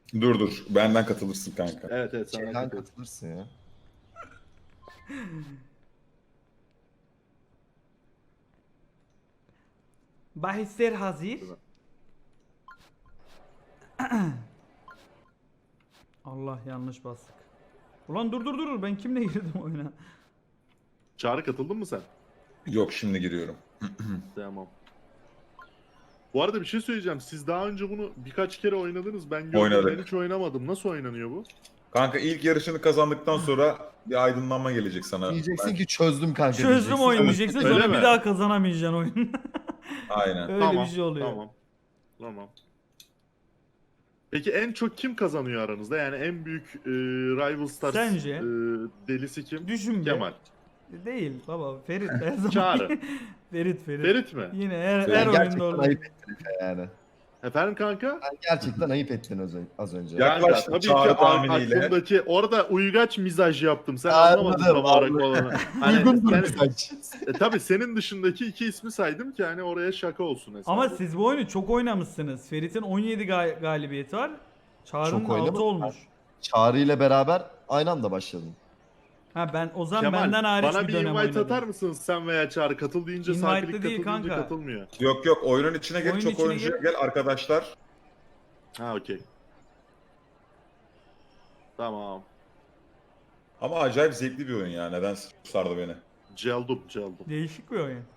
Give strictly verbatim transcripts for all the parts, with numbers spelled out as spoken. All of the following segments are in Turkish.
Dur dur. Benden katılırsın kanka. Evet evet sana Şeyden katılıyorum. katılırsın ya. Bahisler hazır. Allah yanlış bastık. Ulan dur dur dur ben kimle girdim oyuna? Çağrı katıldın mı sen? Yok şimdi giriyorum. Tamam. Bu arada bir şey söyleyeceğim. Siz daha önce bunu birkaç kere oynadınız. Ben gördüm. Oynadık. Ben hiç oynamadım. Nasıl oynanıyor bu? Kanka ilk yarışını kazandıktan sonra bir aydınlanma gelecek sana. Diyeceksin Ben- ki çözdüm kanka Çözdüm diyeceksin. oyunu diyeceksin Öyle sonra mi? bir daha kazanamayacaksın oyunu. Aynen. Öyle tamam, bir şey oluyor. Tamam. Tamam. Peki en çok kim kazanıyor aranızda? Yani en büyük e, Rival Stars Sence? e, delisi kim? Düşün be. Kemal. Değil baba Ferit her zaman. Çağrı. Ferit Ferit. Ferit mi? Yine her, Ferit. her Sen oyunda gerçekten olur. ayıp ettin Efe yani. Efendim kanka? Sen gerçekten ayıp ettin az ön- az önce. Ya- Kanka Yaklaştım tabii ki Çağrı ak- tahminiyle. aklımdaki orada uygaç mizaj yaptım. Sen Anladım, anlamadın tam olarak anladım. olanı. Hani, Uygundur yani- saç. E, tabii senin dışındaki iki ismi saydım ki hani oraya şaka olsun hesabı. Ama siz bu oyunu çok oynamışsınız. Ferit'in on yedi ga- galibiyeti var. Çağrı'nın Çok oynamadım altı olmuş. Çağrı ile beraber aynı anda başladım. Ha ben o zaman Kemal, benden hariç bana bir bir dönem invite oynadım. atar mısınız sen veya Çağrı? Katıl deyince Invite'lı sakinlik, değil katıl deyince kanka. katılmıyor. Yok yok oyunun içine gel Oyunun çok içine oyuncu gel. gel arkadaşlar. Ha okey. Tamam. Ama acayip zevkli bir oyun ya. Neden sardı beni? Celdum, celdum. Değişik bir oyun.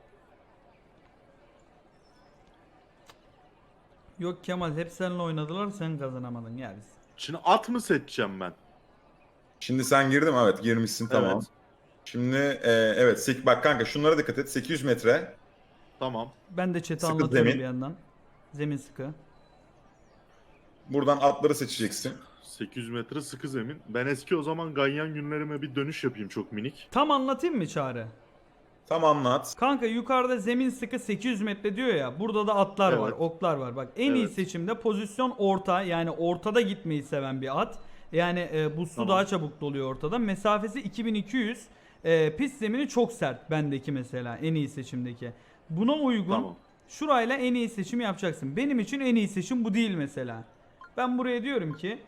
Yok Kemal hep seninle oynadılar sen kazanamadın ya biz. Şimdi at mı seçeceğim ben? Şimdi sen girdin mi? Evet girmişsin tamam. Evet. Şimdi e, evet sek bak kanka şunlara dikkat et. sekiz yüz metre. Tamam. Ben de chat'e Sıkı anlatıyorum zemin. bir yandan. Zemin sıkı. Buradan atları seçeceksin. sekiz yüz metre sıkı zemin. Ben eski o zaman ganyan günlerime bir dönüş yapayım çok minik. Tam anlatayım mı Çağrı? Tam anlat. Kanka yukarıda zemin sıkı sekiz yüz metre diyor ya. Burada da atlar var, Evet. oklar var. Bak en iyi Evet. seçimde pozisyon orta. Yani ortada gitmeyi seven bir at. Yani e, bu su Tamam. daha çabuk doluyor ortada. Mesafesi iki bin iki yüz. E, pist zemini çok sert bendeki mesela en iyi seçimdeki. Buna uygun Tamam. şurayla en iyi seçimi yapacaksın. Benim için en iyi seçim bu değil mesela. Ben buraya diyorum ki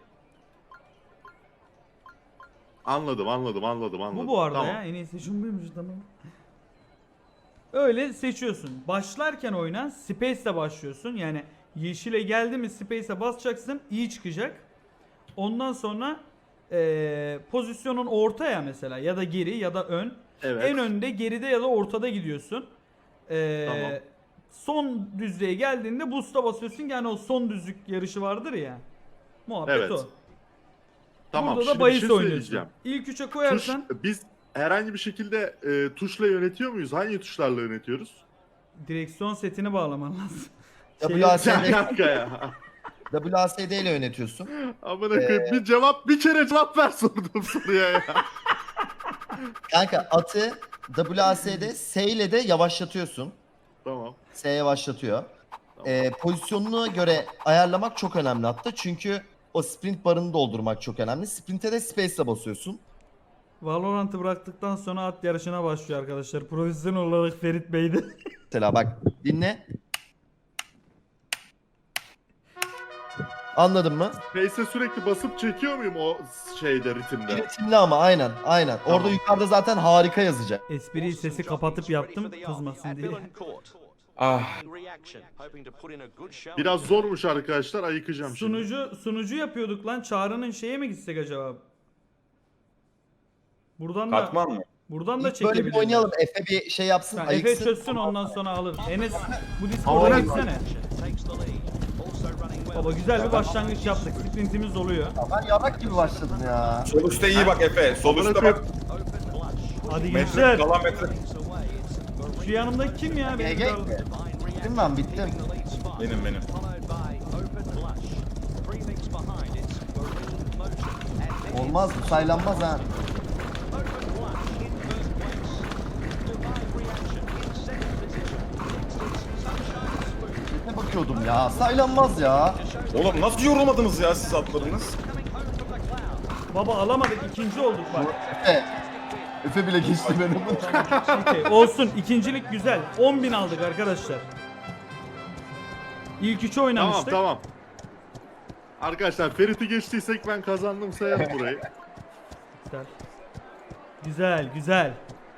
Anladım, anladım, anladım, anladım. bu bu arada Tamam. ya en iyi seçim buymuş tamam. Öyle seçiyorsun. Başlarken oyuna Space'le başlıyorsun. Yani yeşile geldi mi Space'e basacaksın. İyi çıkacak. Ondan sonra eee, pozisyonun ortaya mesela ya da geri ya da ön. Evet. En önde, geride ya da ortada gidiyorsun. Eee, Tamam. Son düzlüğe geldiğinde boost'a basıyorsun. Yani o son düzlük yarışı vardır ya. Muhabbet Evet. o. Tamam, Burada da şimdi bir bahis şey oynuyorsun. söyleyeceğim. İlk üçe Tuş, koyarsan biz herhangi bir şekilde e, tuşla yönetiyor muyuz? Hangi tuşlarla yönetiyoruz? direksiyon setini bağlaman lazım. Şey- W A S Sen D, kanka ya. W A S D ile yönetiyorsun. Amına koyayım bir cevap bir kere cevap ver sorduğum soruya ya. Kanka atı W A S D S ile de yavaşlatıyorsun. Tamam. S yavaşlatıyor. Ee, pozisyonuna göre ayarlamak çok önemli hatta. Çünkü o sprint barını doldurmak çok önemli. Sprint'e de space'le basıyorsun. Valorant'ı bıraktıktan sonra at yarışına başlıyor arkadaşlar. Profesyonel olarak Ferit Bey'di. Mesela bak dinle. Anladın mı? Face'e sürekli basıp çekiyor muyum o şeyde ritimde? Ritimli ama aynen aynen. Tamam. Orada yukarıda zaten harika yazacak. Espriyi sesi kapatıp yaptım kızmasın diye. Ah. Biraz zormuş arkadaşlar, ayıkacağım şimdi. Sunucu sunucu yapıyorduk lan. Çağrı'nın şeye mi gitsek acaba? Buradan da Katman mı? buradan da İlk böyle bir çekebiliriz. oynayalım. Efe bir şey yapsın. Ha, Efe ayıksın. çözsün ondan sonra alır. Enes bu Ama Discord'a ben- gitsene. Baba güzel bir başlangıç yaptık. Sprintimiz oluyor. Ben yarak gibi başladım ya. Sol üstte iyi bak Efe. Sol Amına üstte koyayım. bak. Hadi Metre, gençler. kalan metre. Şu yanımdaki kim ya? G Benim G kral- mi? Bittim ben bittim. Benim benim. Olmaz bu saylanmaz ha. Ne bakıyordum ya saylanmaz ya. Oğlum nasıl yorulmadınız ya siz atlarınız? Baba alamadık. ikinci olduk bak. Efe. Efe bile geçti beni. Okey, olsun. İkincilik güzel. on bin aldık arkadaşlar. İlk üçü Tamam oynamıştık. tamam. Arkadaşlar Ferit'i geçtiysek ben kazandım, sayalım burayı. Güzel. Güzel, güzel.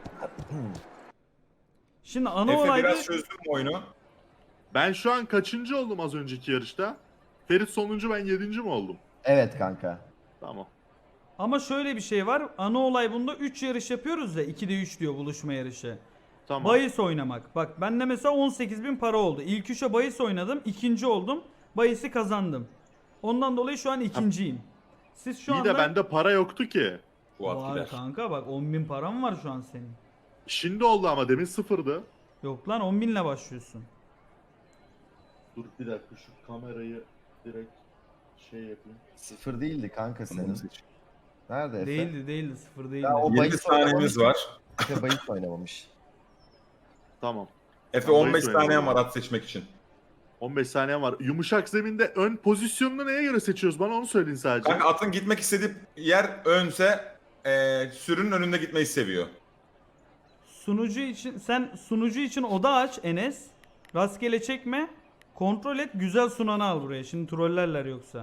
Şimdi ana Efe olayda biraz çözdün mü oyunu? Ben şu an kaçıncı oldum az önceki yarışta? Ferit sonuncu, ben yedinci mi oldum? Evet kanka. Tamam. ama şöyle bir şey var. Ana olay bunda üç yarış yapıyoruz ya. ikide üç diyor buluşma yarışı. Tamam. Bahis oynamak. Bak bende mesela on sekiz bin para oldu. İlk üçe bahis oynadım. İkinci oldum. Bahisi kazandım. Ondan dolayı şu an ikinciyim. Siz şu İyi anda... de bende para yoktu ki. Fuat Var gider. kanka bak on bin param var şu an senin. Şimdi oldu ama demin sıfırdı. Yok lan on binle başlıyorsun. Dur bir dakika, şu kamerayı direkt şey yapayım. Sıfır değildi kanka senin. Nerede Efe? Değildi değildi sıfır değildi. Ya o yirmi bahis saniyemiz oynamamış. var. Efe bahis oynamamış. Tamam. Efe Tamam, on beş oyun saniye oynadım. var at seçmek için. on beş saniye var. Yumuşak zeminde ön pozisyonunu neye göre seçiyoruz? Bana onu söyleyin sadece. Kanka atın gitmek istediği yer önse e, sürünün önünde gitmeyi seviyor. Sunucu için sen sunucu için oda aç Enes. Rastgele çekme. Kontrol et güzel sunanı al buraya. Şimdi trollerler yoksa.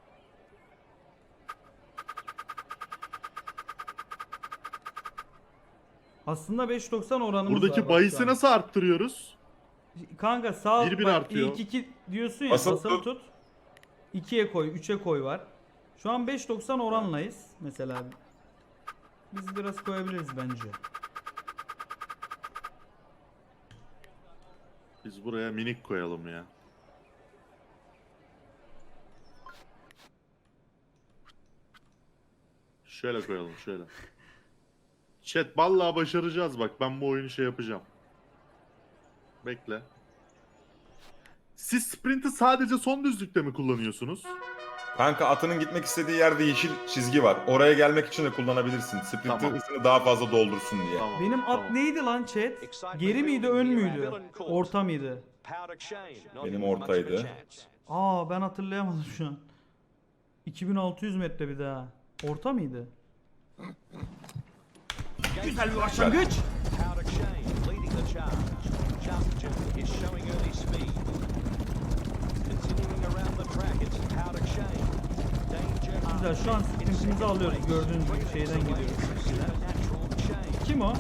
Aslında beş doksan oranımız var. Buradaki bak bahisi şu an. nasıl arttırıyoruz? Kanka sağ alt Bir bir bak, artıyor. ilk iki diyorsun ya Basılı basılı tut. tut. ikiye koy, üçe koy var. Şu an beş doksan oranlayız mesela. Biz biraz koyabiliriz bence. Biz buraya minik koyalım ya. Şöyle koyalım, şöyle. Chat vallahi başaracağız bak. Ben bu oyunu şey yapacağım. Bekle. Siz sprint'i sadece son düzlükte mi kullanıyorsunuz? Kanka atının gitmek istediği yerde yeşil çizgi var. Oraya gelmek için de kullanabilirsin. Sprintin Tamam. hızını daha fazla doldursun diye. Tamam. Benim at tamam. neydi lan chat? Geri miydi ön müydü? Orta mıydı? Benim ortaydı. Aa ben hatırlayamadım şu an. iki bin altı yüz metre bir daha. Orta mıydı? Güzel bir başlangıç. Güzel şu an sprintimizi alıyoruz. Gördüğünüz gibi şeyden gidiyoruz. Kim o?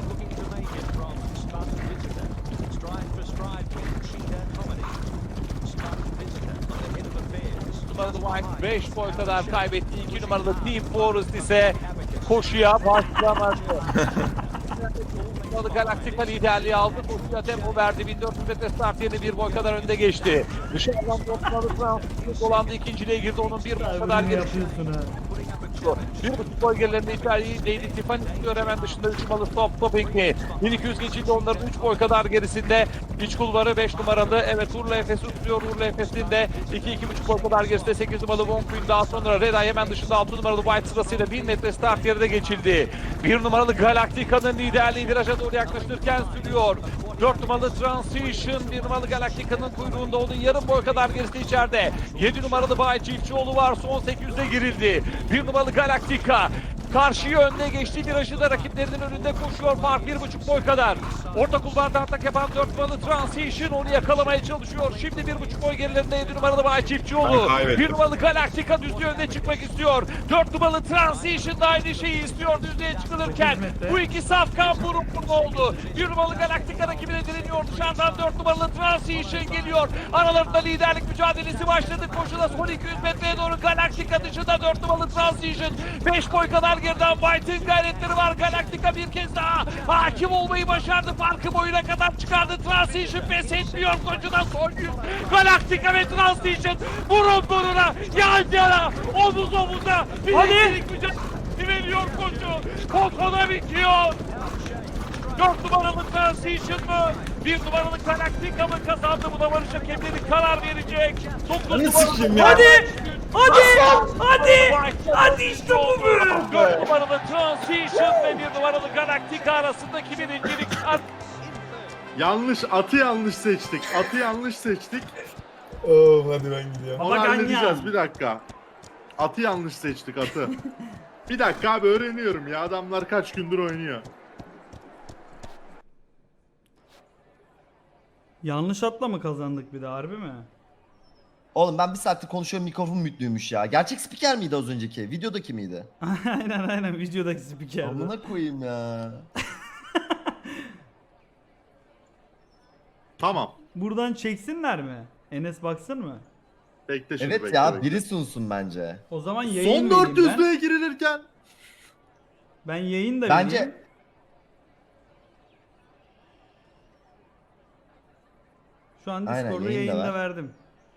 Numaralı White beş boy kadar kaybetti. iki numaralı Team Forest ise koşuya başlamadı. Numaralı Galactica liderliği aldı. Koşuya tempo verdi. bin dört yüz metre start yerine bir boy kadar önde geçti. Dışarıdan Numaralı Fransız dolandı. İkinciliğe girdi. Onun bir boy kadar Ne gerisi. yapıyorsun ha? Bir buçuk boy gerilerinde içeriği Lady Tiffany tutuyor hemen dışında üç numaralı Stop Stopping'li. bin iki yüz geçildi onların üç boy kadar gerisinde. İç kulvarı beş numaralı. Evet Urla Efes'i tutuyor. Urla Efes'in de iki iki buçuk boy kadar gerisinde sekiz numaralı Von Quinn, daha sonra Red Eye hemen dışında altı numaralı White sırasıyla bin metre start yerine geçildi. bir numaralı Galactica'nın liderliği viraja doğru yaklaşırken sürüyor. dört numaralı Transition, bir numaralı Galactica'nın kuyruğunda, onun yarım boy kadar gerisi içeride. yedi numaralı Bay Çiftçioğlu var, son sekiz yüze girildi. bir numaralı Galactica karşıya önüne geçti, virajı da rakiplerinin önünde koşuyor, fark bir buçuk boy kadar. Orta kulvarda atak yapan dört numaralı Transition onu yakalamaya çalışıyor. Şimdi bir buçuk boy gerilerinde yedi numaralı Bay Çiftçioğlu. Ben kaybettim. bir numaralı Galactica düzlüğe önüne çıkmak istiyor. dört numaralı Transition da aynı şeyi istiyor düzlüğe çıkılırken. Bu iki safkan burun burun oldu. bir numaralı Galactica rakibine direniyor. Dışarıdan dört numaralı Transition geliyor. Aralarında liderlik mücadelesi başladı. Koşuda son iki yüz metreye doğru Galactica dışında dört numaralı Transition. beş boy kadar geriden White'in gayretleri var. Galactica bir kez daha hakim olmayı başardı. Farkı boyuna kadar çıkardı. Transition pes etmiyor. Koşuda son yüz. Galactica ve Transition burun buruna, yan yana, omuz omuza liderlik mücadelesi veriyor koşu. Kokona bitiyor. dört numaralı Transition mı? bir numaralı Galactica mı kazandı? Buna varış hakemleri karar verecek. dokuz numaralı... Hadi! Hadi! Hadi! Hadi işte bu be! dört numaralı Transition ve bir numaralı Galactica arasındaki birincilik. Yanlış, atı yanlış seçtik. Atı yanlış seçtik. Oh, hadi ben gidiyorum. Onu Baba halledeceğiz, ganyan. bir dakika. Atı yanlış seçtik, atı. Bir dakika abi, öğreniyorum ya, adamlar kaç gündür oynuyor. Yanlış atla mı kazandık bir de harbi mi? Oğlum ben bir saattir konuşuyorum, mikrofon mütlüymüş ya. Gerçek spiker miydi az önceki? Videodaki miydi? aynen aynen videodaki spikerdi. Amına koyayım ya. Tamam. Buradan çeksinler mi? Enes baksın mı? Bekle şimdi Evet bekle, ya, bekle. biri sunsun bence. O zaman yayın Son vereyim dört ben. yüzlüğe girilirken. Ben yayın da vereyim. Bence Şu an Aynen, Discord'da yayın da yayında ver. verdim.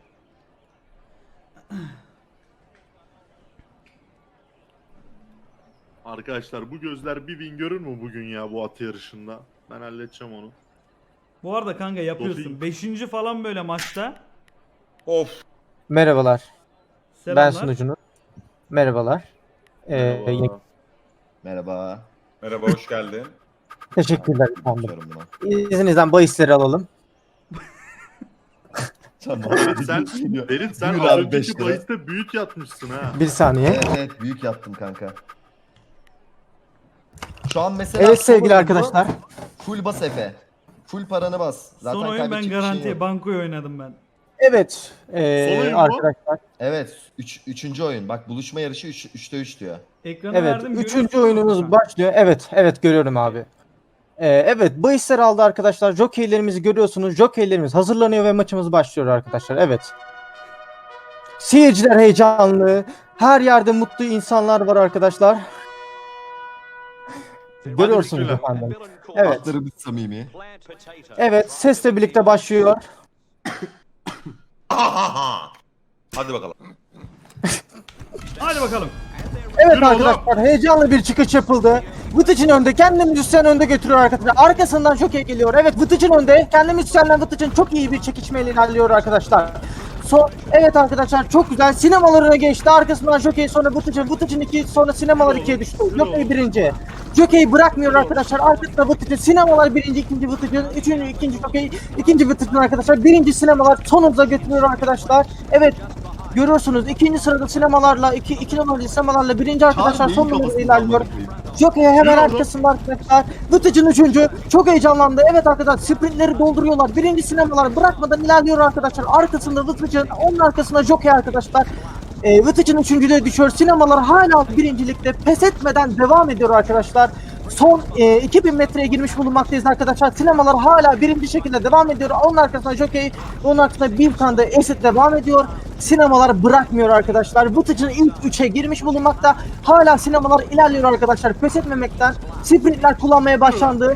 Arkadaşlar bu gözler bir win görür mü bugün ya bu at yarışında? Ben halledeceğim onu. Bu arada kanka yapıyorsun. Doping. Beşinci falan böyle maçta. Of. Merhabalar. Ben Selamlar. sunucunuz. Merhabalar. Ee, Merhaba. merhaba. Merhaba, hoş geldin. teşekkürler efendim. Bakıyorum buna. İzninizden bahisleri alalım. Tamam. Ferit sen, Ferit sen Buyur az abi, beş önceki lira. bahiste büyük yatmışsın ha. Bir saniye. Evet, evet büyük yaptım kanka. Şu an mesela Evet son sevgili oyundu. arkadaşlar. Full bas Efe. Full paranı bas. Zaten Son oyun ben kaybedecek bir şeyin garantiye yok. bankoyu oynadım ben. Evet ee, Son oyun mu? arkadaşlar. Evet. Üç, üçüncü oyun. Bak buluşma yarışı üç, üçte üç diyor. Ekranı Evet verdim. üçüncü görüyorsunuz oyunumuz mu? başlıyor. Evet evet görüyorum abi. Ee, evet bahisleri aldı arkadaşlar. Jokeylerimizi görüyorsunuz. Jokeylerimiz hazırlanıyor ve maçımız başlıyor arkadaşlar. Evet. Seyirciler heyecanlı. Her yerde mutlu insanlar var arkadaşlar. Görüyorsunuz bismillah. efendim. Evet. Atlarımız samimi. Evet sesle birlikte başlıyor. Hadi bakalım. Hadi bakalım. Evet Yürü oğlum. arkadaşlar heyecanlı bir çıkış yapıldı. Vıtıcın önde, kendi müzisyen önde götürüyor arkadaşlar. Arkasından Jockey geliyor. Evet Vıtıcın önde, kendi müzisyenle Vıtıcın çok iyi bir çekişmeyle ilerliyor arkadaşlar. Son, evet arkadaşlar çok güzel. Sinemalarına geçti. Arkasından Jockey, sonra Vıtıcın. Vıtıcın iki, sonra sinemalar ikiye düştü. Jockey birinci. Jockey bırakmıyor arkadaşlar. Arkasında Vıtıcın. Sinemalar birinci, ikinci Vıtıcın. Üçüncü, ikinci Jockey. İkinci Vıtıcın arkadaşlar. Birinci sinemalar sonumuza götürüyor arkadaşlar. Evet. Görüyorsunuz ikinci sırada sinemalarla iki, iki numaralı sinemalarla birinci arkadaşlar son numarada ilerliyor. Jockey hemen Yürü oğlum. arkasında arkadaşlar. Vıtıcın üçüncü. Çok heyecanlandı. Evet arkadaşlar sprintleri dolduruyorlar. Birinci sinemalar bırakmadan ilerliyor arkadaşlar. Arkasında Vıtıcın, onun arkasında Jockey arkadaşlar. E, Vıtıcın üçüncülüğe düşüyor. Sinemalar hala birincilikte pes etmeden devam ediyor arkadaşlar. Son e, iki bin metreye girmiş bulunmaktayız arkadaşlar. Sinemalar hala birinci şekilde devam ediyor. Onun arkasında Jockey, onun arkasında bir tane de Esit devam ediyor. Sinemalar bırakmıyor arkadaşlar. Vıtıcın ilk üçe girmiş bulunmakta. Hala sinemalar ilerliyor arkadaşlar. Pes etmemekten sprintler kullanmaya başlandı.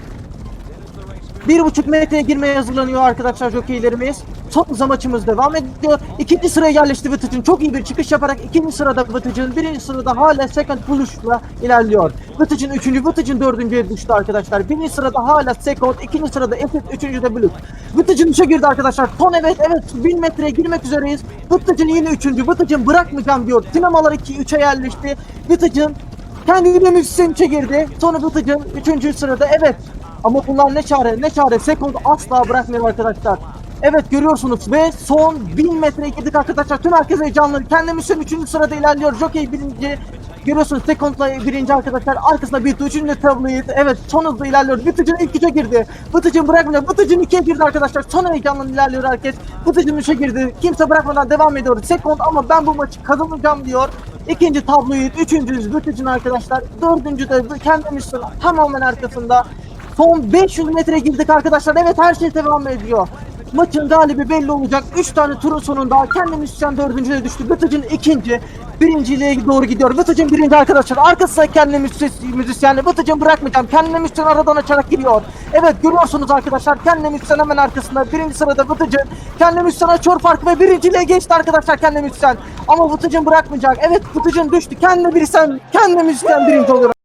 Bir buçuk metreye girmeye hazırlanıyor arkadaşlar jokeylerimiz. Son hızla maçımız devam ediyor. İkinci sıraya yerleşti Vıtıcın. Çok iyi bir çıkış yaparak ikinci sırada Vıtıcın. Birinci sırada hala second push'la ilerliyor. Vıtıcın üçüncü, Vıtıcın dördüncüye düştü arkadaşlar. Birinci sırada hala second, ikinci sırada Esit, üçüncü de Blue. Vıtıcın üçe girdi arkadaşlar. Son evet evet bin metreye girmek üzereyiz. Vıtıcın yine üçüncü. Vıtıcın bırakmayacağım diyor. Sinemalar iki, üçe yerleşti. Vıtıcın kendi müzisyen üçe girdi. Sonra Vıtıcın üçüncü sırada evet. Ama bunlar ne çare ne çare Second asla bırakmıyor arkadaşlar. Evet görüyorsunuz ve son bin metreye girdik arkadaşlar. Tüm herkes heyecanlı. Kendi müzisyen üçüncü sırada ilerliyor. Jockey birinci. Görüyorsunuz Second'la birinci arkadaşlar. Arkasında bir üçüncü tabloyu. Evet son hızla ilerliyor. Vıtıcın ilk üçe girdi. Vıtıcın bırakmıyor. Vıtıcın ikiye girdi arkadaşlar. Son heyecanla ilerliyor herkes. Vıtıcın üçe girdi. Kimse bırakmadan devam ediyor. Second ama ben bu maçı kazanacağım diyor. İkinci tabloyu. Üçüncü Vıtıcın arkadaşlar. Dördüncü de kendi müzisyen tamamen arkasında. Son beş yüz metreye girdik arkadaşlar. Evet her şey devam ediyor. Maçın galibi belli olacak. üç tane turun sonunda kendi müzisyen dördüncüye düştü. Vıtıcın ikinci. Birinciliğe doğru gidiyor. Vıtıcın birinci arkadaşlar. Arkasında kendi müzisyenle. Vıtıcın bırakmayacağım. Kendi müzisyen aradan açarak giriyor. Evet görüyorsunuz arkadaşlar. Kendi müzisyen hemen arkasında. Birinci sırada Vıtıcın. Kendi müzisyen açıyor farkı ve birinciliğe geçti arkadaşlar kendi müzisyen. Ama Vıtıcın bırakmayacak. Evet Vıtıcın düştü. Kendi müzisyen, kendi müzisyen birinci oluyor.